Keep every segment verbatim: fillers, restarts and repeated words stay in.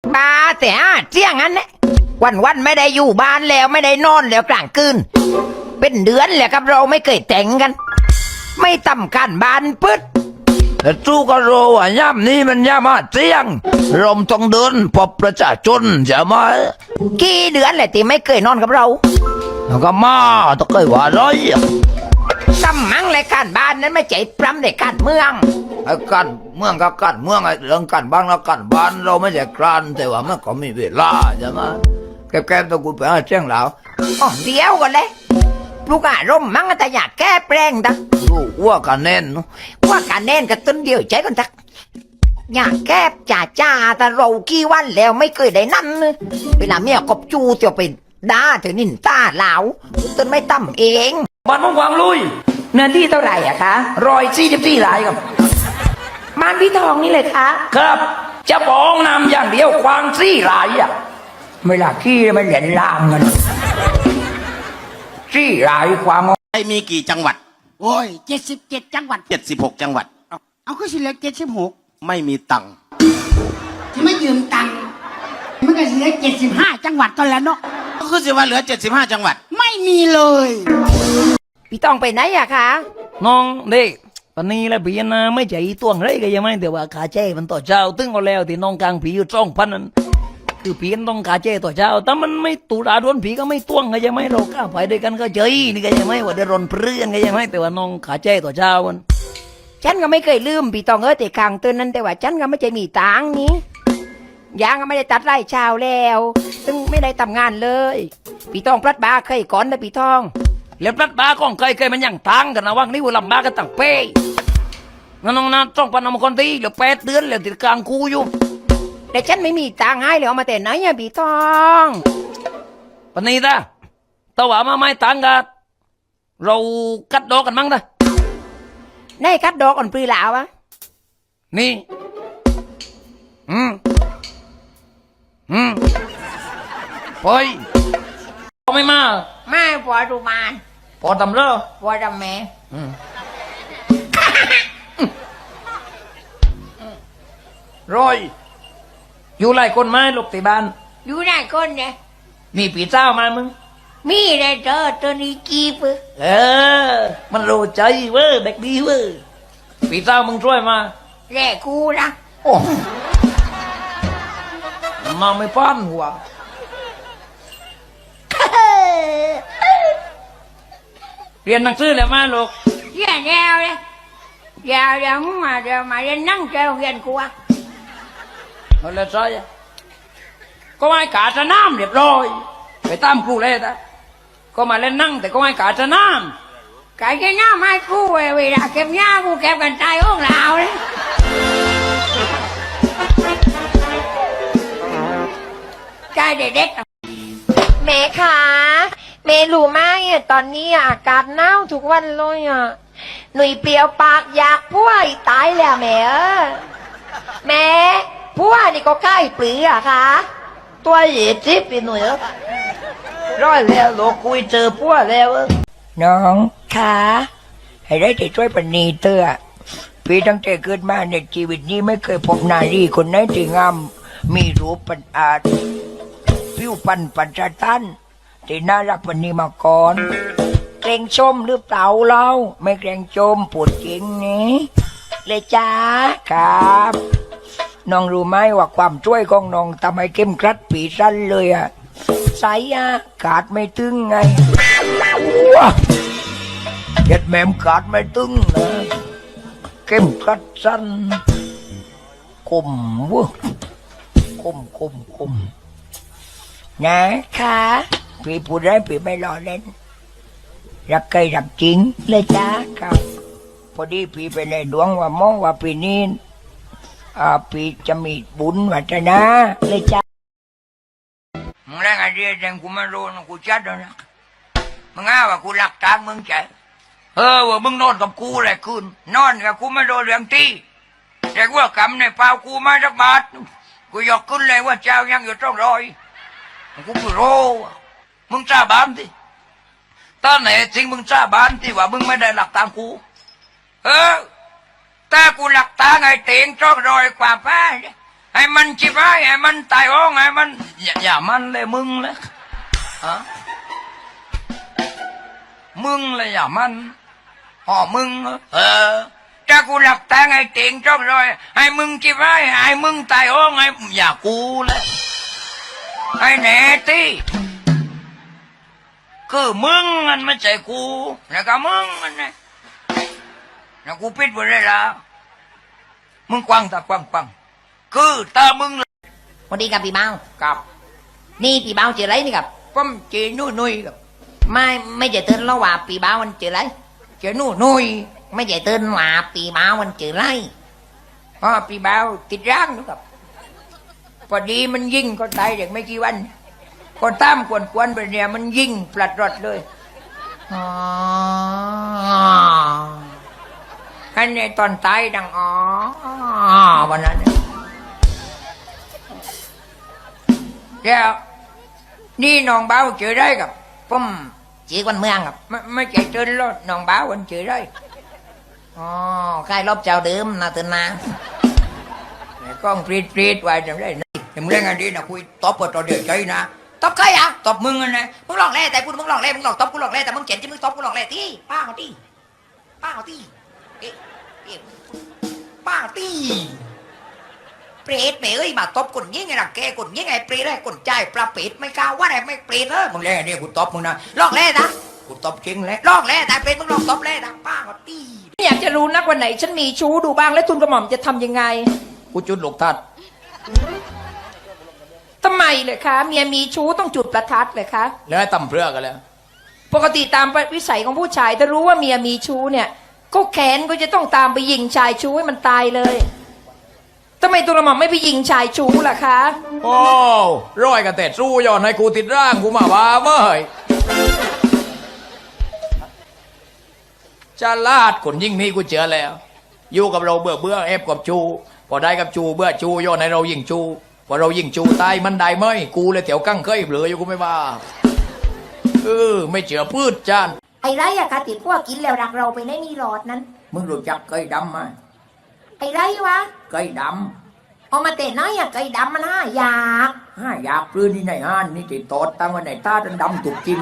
บ้าแต่อาเจียงงั้นเนี่ยวันวันๆไม่ได้อยู่บ้านแล้วไม่ได้นอนแล้วกลางคืนเป็นเดือนแล้วครับเราไม่เคยแต่งกัน ไม่ต่ำกันบ้านปึ๊ดแต่จู้ก็รู้ว่าย่ำนี้มันย่ำมาเจียงรมต้องเดินพบประชาชนจะมากี่เดือนแหละที่ไม่เคยนอนกับเราแล้วก็มาต้องเคยว่าร้อยซ้ำมั้งรายการบ้านนั้นไม่ใจปรำในการเมืองไอ้การเมืองก็การเมืองไอ้เรื่องการบ้านแล้วการบ้านเราไม่ใช่กรานแต่ว่ามันก็มีเวลาใช่ไหมแกๆต้องกูไปหาเจ้งแล้วอ๋อเดียวกันเลยลูกอารมณ์มั้งแต่อยากแก้แปลงดักลูกว่ากันแน่นว่ากันแน่นกับต้นเดียวใจกันทักอยากแก้จ่าจ้าแต่เรากี่วันแล้วไม่เคยได้นั่นเวลาเมียกบจูเตียวไปด่าเธอนินตาเหลาต้นไม่ต่ำเองบ้านมงวางลุยเนื้อที่เท่าไหร่อะคะรอยสี่สิบสี่ไร่ครับบ้านพี่ทองนี่เลยคะครับจะบ้องนำอย่างเดียวควางสี่ไร่อะเวลาขี้มันเหรียญลามกันสี่ไร่ควางไทยมีกี่จังหวัดโอ้ยเจ็ดสิบเจ็ดจังหวัดเจ็ดสิบหกจังหวัดเอาเอาก็สิเหลือเจ็ดสิบหกไม่มีตังค์ที่ไม่ยืมตังค์มันก็สิเหลือเจ็ดสิบห้าจังหวัดก็แล้วเนาะก็คือสิว่าเหลือเจ็ดสิบห้าจังหวัดไม่มีเลยพี่ต้องไปไหนอะคะน้องเด็กตอนนี้แล้วพี่นะไม่ใจตวงไรก็ยังไม่แต่ว่าขาเจ้มันต่อเช้าตึ้งก็แล้วที่น้องกลางผีอยู่จ้องพันนั้นคือผีต้องขาเจ้ต่อเช้าแต่มันไม่ตุลาดวนผีก็ไม่ตวงก็ยังไม่เราก้าวไปด้วยกันก็เจยนี่ก็ยังไม่ว่าเดือดร้อนเพื่อนก็ยังไม่แต่ว่าน้องขาเจ้ต่อเช้ามันฉันก็ไม่เคยลืมพี่ต้องเออแต่คางเตือนนั้นแต่ว่าฉันก็ไม่ใจมีตังนี้ยางก็ไม่ได้ตัดไร่ชาวแล้วซึ่งไม่ได้ทำงานเลยพี่ต้องพลัดบาเคยก่อนนะพี่ทองแล้วพลัดบาของเคยเคยมันยังตังกันนะว่างนี่ว่าลำบากกันตั้งเป้น้องนะต้องปนมคนที่เหลือแปดเดือนแล้วติดกลางคูอยู่แต่ฉันไม่มีตังให้เลยเอามาแต่ไหนอะพี่ทองปนี้ตาตะว่ามาไม่ตังกันเรากัดดอกกันมั้งตาในกัดดอกกันปรีหลาวะนี่อืมอืมปอยไม่มาไม่พอดูมาพอทำเรื่องพอทำแม่อืมรอยอยู่หลายคนไหมลูกติบ้านอยู่หลายคนเนี่ยมีปีเจ้ามามึงมีเลยเจอตัวนี้กีบเออมันรู้ใจเว้ยเด็กดีเว้ยปีเจ้ามึงช่วยมาแร่กูนะโอ้มาไม่ป้านหัวเรียนหนังสือแล้วมาลูกเรียนแล้วเลยเดี๋ยวเดี๋ยวมึงมาเดี๋ยวมาเรียนนั่งเจ้าเรียนกูอ่ะเอาเลยใช่ก็ไม่กาจะน้ำเรียบร้อยไปตามครูเลยนะก็มาเล่นนั่งแต่ก็ไม่กาจะน้ำกาจะน้ำไม่ครูเวลาเก็บหญ้ากูเก็บกันใจห้องเราเลยใจเด็กๆแม่คะแม่รู้ไหมตอนนี้อากาศหนาวทุกวันเลยอ่ะหนุ่ยเปรียวปากอยากพัวตายแล้วแม่เออแม่พัวนี่ก็ใกล้ปลีอะคะตัวเหยียดจิ๊บไปหน่อยร้อยแล้วโลกคุยเจอพัวแล้วน้องคะให้ได้แต่ช่วยปณีเตอพี่ตั้งแต่เกิดมาในชีวิตนี้ไม่เคยพบนารีคนไหนที่งามมีรูปปัญอาจผิวพรรณปัญจตันที่น่ารักปณีมาก่อนเกรงชมหรือเปล่าเราไม่เกรงชมปวดจริงนี่เลยจ้าครับน้องรู้ไหมว่าความช่วยของน้องทำให้เข้มกรัดปีสั้นเลยอะใส่อากาศไม่ตึงไงว้าเด็ดแม่มกาดไม่ตึงนะเข้มกรัดสั้นคมวะคมคมคมนะคะพี่พูดได้พี่ไม่รอเล่นรักใครรักจริงเลยจ้าครับพอดีพี่ไปในดวงว่ามองว่าปีนี้อ่าพี่จะมีบุญวัฒนาเลยจ้ามึงแรงอะไรแรงกูไม่รู้นะกูจัดแล้วนะมึงอ้าว่ากูหลักทางมึงใจเออว่ามึงนอนกับกูแหละคืนนอนกับกูไม่โดนเรื่องที่แต่ว่ากำในเปล่ากูมาสักบาทกูยกขึ้นเลยว่าเจ้ายังอยู่ต้องรอยกูไม่รู้มึงจ้าบ้านดิตอนไหนจริงมึงจ้าบ้านที่ว่ามึงไม่ได้หลักตามกูเออแต่กูหลักตาไงเตียงจ้องรอยกว่าป้าไอ้มันจิบไอ้ไอ้มันตายอ้องไอ้มันอย่าอย่ามันเลยมึงเลยฮะมึงเลยอย่ามันอ๋อมึงเออถ้ากูหลับตาไอ้เต่งจ้องรอยไอ้มึงจิบไอ้ไอ้มึงตายอ้องไอ้อย่ากูเลยไอ้แหน่ตีคือมึงมันไม่ใช่กูแล้วก็มึงมันนะแล้วกูปิดไว้เลยละมึงกว้างตากว้างกว้างคือตามึงสวัสดีครับพี่เมากับนี่พี่เมาเจออะไรนี่ครับป้อมเจนุ่ยนุ่ยกับไม่ไม่เจอเตือนแล้วว่าพี่เมามันเจออะไรเจนุ่ยนุ่ยไม่เจอเตือนว่าพี่เมามันเจออะไรอ๋อปีบ่าวติดร่างนะครับพอดีมันยิงก็ตายเด็กไม่กี่วันก็ตามกวนกวนๆไปเนี่ยมันยิงปลัดรอดเลยอ๋ออันนี้ตอนตายดังอ๋อวันนั้นเนี่ยแล้วนี่น้องบ่าวเจอได้กับป้อมจีกวันเมืองครับไม่ไม่ใจเจนรถน้องบ่าววันเจอได้อ๋อใครรอบเจ้าเดิมนะเตือนนะแต่กล้องปรีดปรีดไว้จำได้นะแต่มึงเล่นอันนี้นะคุยตบกับตัวเดือดใจนะตบใครอ่ะตบมึงกันนะมึงหลอกแร่แต่กูมึงหลอกแร่มึงหลอกตบกูหลอกแร่แต่มึงเจ็บที่มึงตบกูหลอกแร่ที่ป้าเขาที่ป้าเขาที่เอ๊ะเอ๊ะป้าเขาที่เปรตเปรตเอ้ยมาตบคนยิ่งไงล่ะแกคนยิ่งไงเปรตเลยคนใจายปลาเปรตไม่กล้าว่าอะไรไม่เปรตเลยมึงเล่นอันนี้กูตบมึงนะหลอกแร่นะกูตบจริงแหล้วหลอกแร่แต่เปรตมึงหลอกตบแร่นะป้าเขาที่อยากจะรู้นักวันไหนฉันมีชู้ดูบ้างและทุนกระหม่อมจะทำยังไงกูจุดลูกทัดทำไมเลยคะเมียมีชู้ต้องจุดประทัดเลยคะแล้วให้ตำเพื่อกันแล้วปกติตามวิสัยของผู้ชายถ้ารู้ว่าเมียมีชู้เนี่ย ก็แขนก็จะต้องตามไปยิงชายชู้ให้มันตายเลยทำไมตัวกระหม่อมไม่ไปยิงชายชู้ล่ะคะโอ้ร้อยกันแต่สู้ย้อนให้กูติดร่างกูมาว่าเมื่อยจะลาดคนยิ่งนี้กูเจอแล้ว อยู่กับเราเบื่อเบื่อเอฟกับจูพอได้กับจูเบื่อจูย้อนให้เรายิงจูพอเรายิงจูตายมันได้ไหมกูเลยเถียวกั้งเคยเหลืออยู่กูไม่ว่าเออไม่เจือพืชจานไอ้ไรอะคะติดพวกกินแล้วรักเราไปในนี่หลอดนั้นมึงรู้จักเคยดำไหมไอ้ไรวะเคยดเอามาเตะน้อยอะไก่ดำมันห้าอยากำห้าอยากปลื้นที่ไหนห้านนี่ติดตอดตั้งไว้ในตาจนดำถูกกิน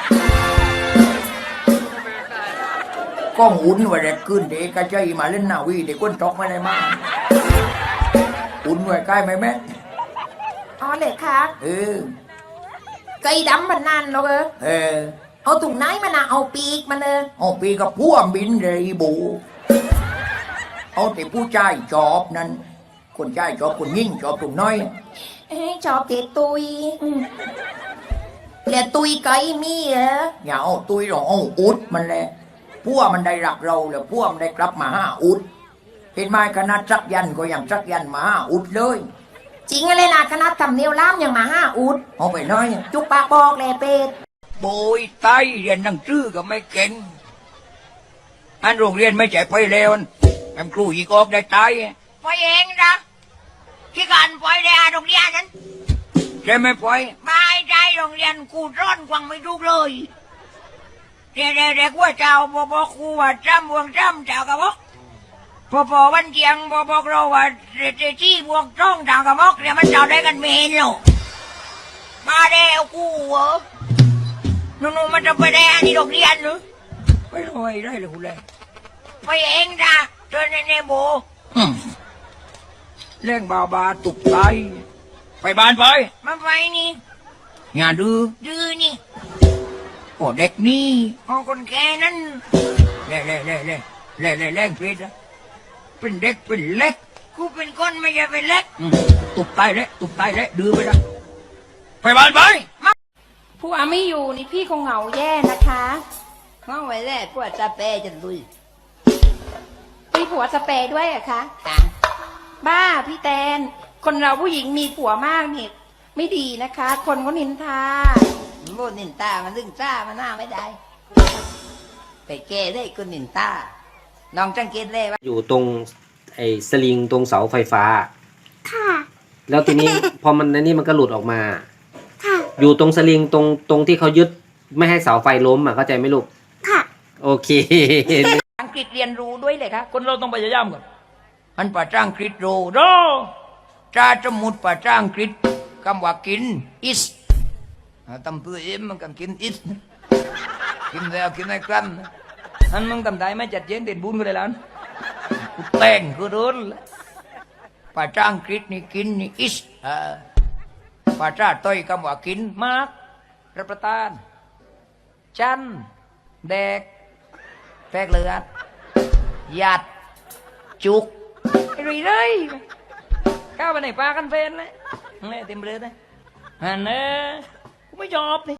ก้องอุ่นไว้แรกขึ้นเด็กกระใจมาเล่นหน้าวีเด็กก้นตอกไม่ได้มาอุ่นไว้ใกล้ไหมแม่อ๋อเลยคะเออไก่ดำมันนานแล้วเออเออเอาถุงไหนมันอะเอาปีกมันเออเอาปีกับพ่วงบินเลยอีบูเอาแต่ผู้ชายจอบนั้น คนชายจอบคนยิ่งจอบตุ่มน้อยเอ้ยชอบเตะตุยอืมแล้วตุยไก่มีเหรออย่าเอาตุยหรอกเอาอุดมันแหละพวกมันได้รักเราแล้วพวกมันได้กลับมาห้าอุดเห็นไหมคณะจักยันก็ยังจักยันมาห้าอุดเลยจริงอะไรนะคณะทำเนียวล้ามยังมาห้าอุดเอาไปน้อยจุกปากบอกแหละเป็ดโบยไตเรียนหนังสือก็ไม่เก่งอันโรงเรียนไม่ใจไปแล้วแอมครูอีกออกได้ตายไปเองนะที่การไปในโรงเรียนนั้นใช่ไหมปอยไม่ได้โรงเรียนกูร้อนกวังไม่ดูเลยเด็กเด็กว่าเจ้าบบอกครูว่าจำบวงจำเจ้ากับบอกพอพอวันเที่ยงบอบอกเราว่าเด็กที่บวงจ้องเจ้ากับบอกเนี่ยมันเจ้าได้กันไม่เห็นหรอกมาได้เอากูเหรอนู่นๆมันจะไปได้อันนี้โรงเรียนหรือไปลอยได้เลยคุณเลยไปเองนะเจอในในโบเล่งบาบาตุกไตไปบ้านไปมาไปนี่งานดื้อดื้อนี่โอ้เด็กนี่เอาคนแก่นั้นเล่เล่เล่เล่เล่เล่เล่งเพชรนะเป็นเด็กเป็นเล็กกูเป็นคนไม่ใช่เป็นเล็กอืมตุกไตเละตุกไตเละดื้อไปนะไปบ้านไปผัวไม่อยู่นี่พี่คงเหงาแย่นะคะห้องไว้แรกพวกจะเปจะลุยมีผัวสเปรย์ด้วยเหรอะคะ บ้าพี่แตน คนเราผู้หญิงมีผัวมากนี่ไม่ดีนะคะ คนเขานินทาโมนินตามันลึงจ้ามันหน้าไม่ได้ ไปแก้ได้คนนินตา น้องจังเกตเลยว่าอยู่ตรงไอ้สลิงตรงเสาไฟฟ้าค่ะแล้วทีนี้ พอมันในนี่มันก็หลุดออกมาค่ะอยู่ตรงสลิงตรงตรงที่เขายึดไม่ให้เสาไฟล้มอ่ะเข้าใจไหมลูกค่ะโอเคอังกฤษเรียนรู้ด้วยเลยคะคนเราต้องพยายามก่อนอันป่าจ้างคริสโรโรจ้าจมุดป่าจ้าอังกฤษคำว่ากิน is อ่าตำตัวเอ็มมันกันกิน is กินแล้วกินให้กลั้นอันมึงทำได้ไหมจัดเย็นเด่นบุญก็ได้แล้วกูแต่งกูโดนแล้วป่าจ้าอังกฤษนี่กินนี่ is อ่าป่าจ้าต้อยคำว่ากินมากรับประทานจันแดกแตกเลือดหยัดจุกไอ้รีเลยก้าวไปไหนปลากันเฟนเลยนี่เต็มเลยนะฮันเน่กูไม่ยอมนี่